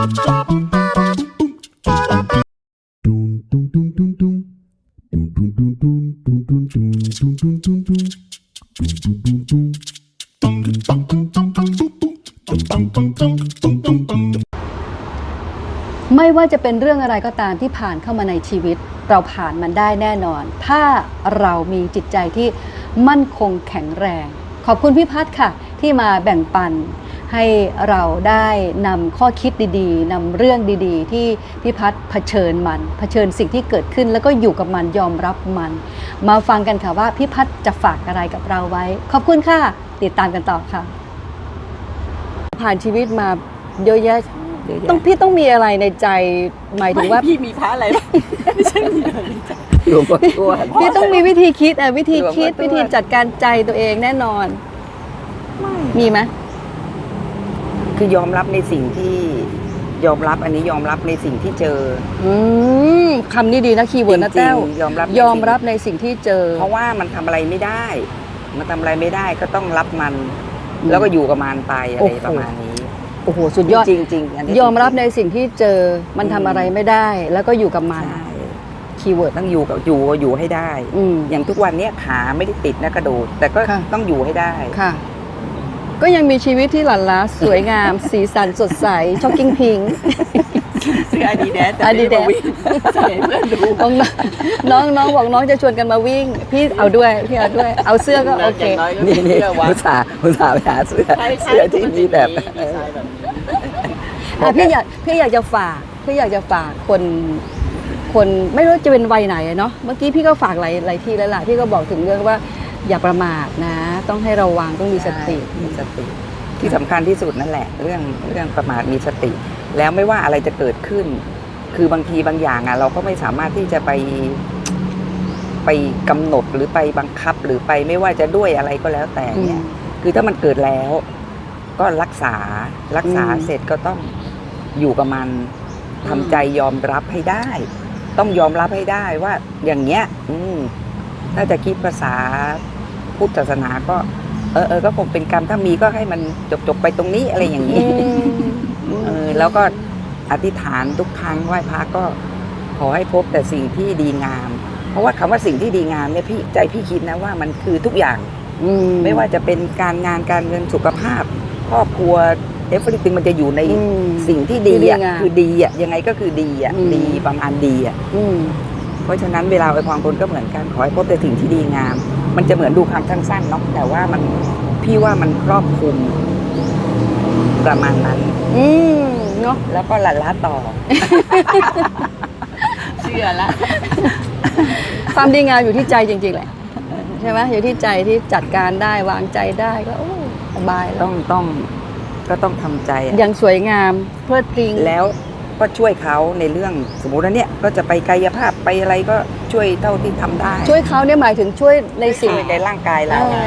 ไม่ว่าจะเป็นเรื่องอะไรก็ตามที่ผ่านเข้ามาในชีวิตเราผ่านมันได้แน่นอนถ้าเรามีจิตใจที่มั่นคงแข็งแรงขอบคุณพี่พัฒน์ค่ะที่มาแบ่งปันให้เราได้นำข้อคิดดีๆนำเรื่องดีๆที่พี่พัฒน์เผชิญสิ่งที่เกิดขึ้นแล้วก็อยู่กับมันยอมรับมันมาฟังกันค่ะว่าพี่พัฒน์จะฝากอะไรกับเราไว้ขอบคุณค่ะติดตามกันต่อค่ะผ่านชีวิตมาเยอะแยะพี่ต้องมีอะไรในใจหมายถึงว่าพี่มีพระอะไรไม่ใช่มีอะไรในใจหลวงพ่อทวดพี่ต้องมีวิธีคิดวิธีจัดการใจตัวเองแน่นอนมีไหมคือยอมรับในสิ่งที่ยอมรับอันนี้ยอมรับในสิ่งที่เจอคำนี้ดีนะคีย์เวิร์ดนะแต้วยอมรับในสิ่งที่เจอเพราะว่ามันทำอะไรไม่ได้ก็ต้องรับมันแล้วก็อยู่กับมันไปอะไรประมาณนี้โอ้โหสุดยอดจริงๆยอมรับในสิ่งที่เจอมันทำอะไรไม่ได้แล้วก็อยู่กับมันคีย์เวิร์ดต้องอยู่ให้ได้อย่างทุกวันนี้ขาไม่ได้ติดนะกระโดดแต่ก็ต้องอยู่ให้ได้ค่ะก็ยังมีชีวิตที่หลั่นล้าสวยงามสีสันสดใสช็อกกิ้งพิงซื้ออาดิดาสใส่เพื่อนดูน้องบอกน้องจะชวนกันมาวิ่งพี่เอาด้วยเอาเสื้อก็โอเคนี่อุตส่าห์ไปหาเสื้อที่มีแบบพี่อยากจะฝากคนไม่รู้จะเป็นวัยไหนเนาะเมื่อกี้พี่ก็ฝากหลายที่แล้วล่ะพี่ก็บอกถึงเรื่องว่าอย่าประมาทนะต้องให้ระวังต้องมีสติที่สำคัญที่สุดนั่นแหละเรื่องประมาทมีสติแล้วไม่ว่าอะไรจะเกิดขึ้นคือบางทีบางอย่างเราก็ไม่สามารถที่จะไปกำหนดหรือไปบังคับหรือไปไม่ว่าจะด้วยอะไรก็แล้วแต่เนี่ยคือถ้ามันเกิดแล้วก็รักษาเสร็จก็ต้องอยู่กับมันทำใจยอมรับให้ได้ต้องยอมรับให้ได้ว่าอย่างเงี้ยถ้าจะคิดภาษาพุทธศาสนาก็ก็คงเป็นกรรมถ้ามีก็ให้มันจบไปตรงนี้อะไรอย่างนี้แล้วก็อธิษฐานทุกครั้งไหว้พระก็ขอให้พบแต่สิ่งที่ดีงามเพราะว่าคำว่าสิ่งที่ดีงามเนี่ยพี่คิดนะว่ามันคือทุกอย่างไม่ว่าจะเป็นการงานการเงินสุขภาพครอบครัวeverything มันจะอยู่ในสิ่งที่ดีคือดียังไงก็คือดีดีประมาณดีเพราะฉะนั้นเวลาอวยพรคนก็เหมือนกันขอให้พบแต่สิ่งที่ดีงามมันจะเหมือนดูคำสั้นๆเนาะแต่ว่าพี่ว่ามันครอบคลุมประมาณนั้นเนาะแล้วก็ละต่อเชื่อละความดีงามอยู่ที่ใจจริงๆแหละใช่ไหมอยู่ที่ใจที่จัดการได้วางใจได้ก็สบายต้องทำใจอย่างสวยงามเพลิดเพลินแล้วก็ช่วยเขาในเรื่องสมมุติว่าเนี่ยก็จะไปกายภาพไปอะไรก็ช่วยเท่าที่ทำได้ช่วยเขาเนี่ยหมายถึงช่วยในสิ่งในร่างกาย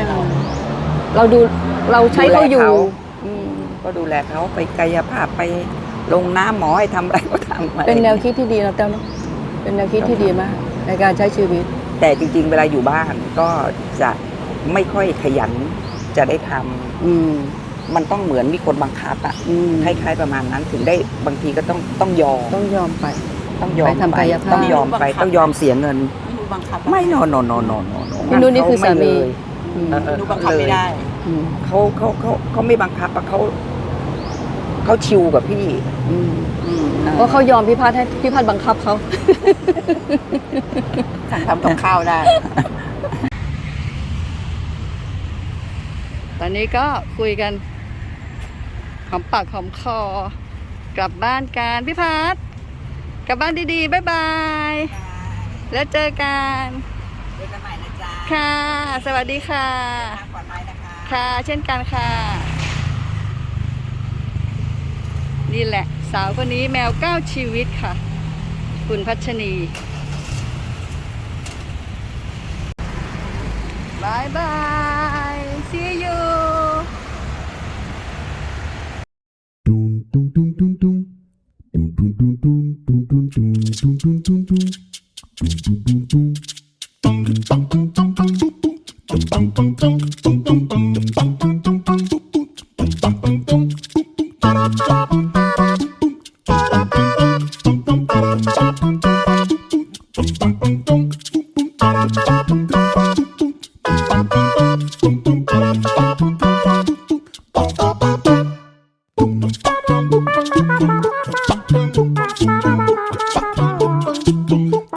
เราใช้เขาอยู่ก็ดูแลเขาไปกายภาพไปลงน้ำหมอให้ทำอะไรก็ทำเป็นแนวคิดที่ดีนะเต้าเนาะเป็นแนวคิดที่ดีมากในการใช้ชีวิตแต่จริงๆเวลาอยู่บ้านก็จะไม่ค่อยขยันจะได้ทำมันต้องเหมือนมีคนบังคับคล้ายๆประมาณนั้นถึงได้บางทีก็ต้องยอมไปต้องยอมไปต้องยอมไปต้องยอมเสียเงินไม่นอนพี่นุ่นนี่คือสามีดูบังคับไม่ได้เขาไม่บังคับเขาชิวกับพี่เพราะเขายอมพี่พัฒน์ให้พี่พัฒน์บังคับเขาสั่งทำกับข้าวได้ตอนนี้ก็คุยกันหอมปากหอมคอกลับบ้านกันพี่พัฒน์กลับบ้านดีๆบ๊ายบายแล้วเจอกันใหม่นะจ๊ะค่ะสวัสดีค่ะปลอดภัยนะคะค่ะเช่นกันค่ะนี่แหละสาวคนนี้แมว9ชีวิตค่ะคุณพัชนีบายบาย see you Bum bum bum bum bum bum bum bum bum bum bum